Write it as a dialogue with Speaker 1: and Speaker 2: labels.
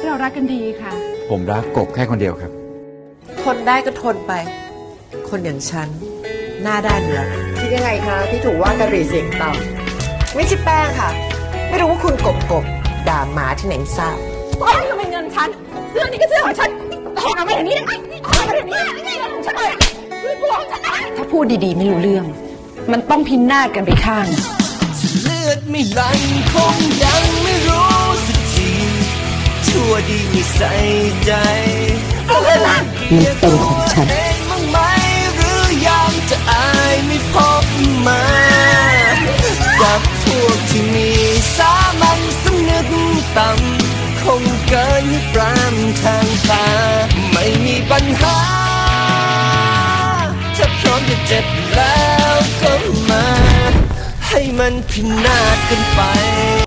Speaker 1: เรารักกันดีค่ะ
Speaker 2: ผมรักกบแค่คนเดียวครับ
Speaker 3: ทนได้ก็ทนไปคนอย่างฉันหน้าด้านอยู่แล้วคิดยังไงคะที่ถูกว่ากะหรี่เสียงต่ำไม่ใช่แป้งค่ะไม่รู้ว่าคุณกบด่าหมาที่ไหนทราบ
Speaker 1: โอ้ยทำไมเงินฉันเสื้อนี่ก็เสื้อของฉันเอาไปอย่างนี้เอาไปอย่างนี้เงินของฉันเลยคือตัวของฉันถ้าพูดดีๆไม่รู้เรื่องมันต้องพินาศกันไปข้าง
Speaker 4: เลือดไม่ไหลคงยังไม่รู้สักทีชั่วดีไม่ใส่ใจ
Speaker 3: มันเป็นของฉัน
Speaker 4: มั้งไหมหรือยังจะอายไม่พบมากับพวกที่มีสามัญสำนึกต่ำคงเกินปรามทางตาไม่มีปัญหาถ้าพร้อมจะเจ็บแล้วก็มาให้มันพินาศกันไป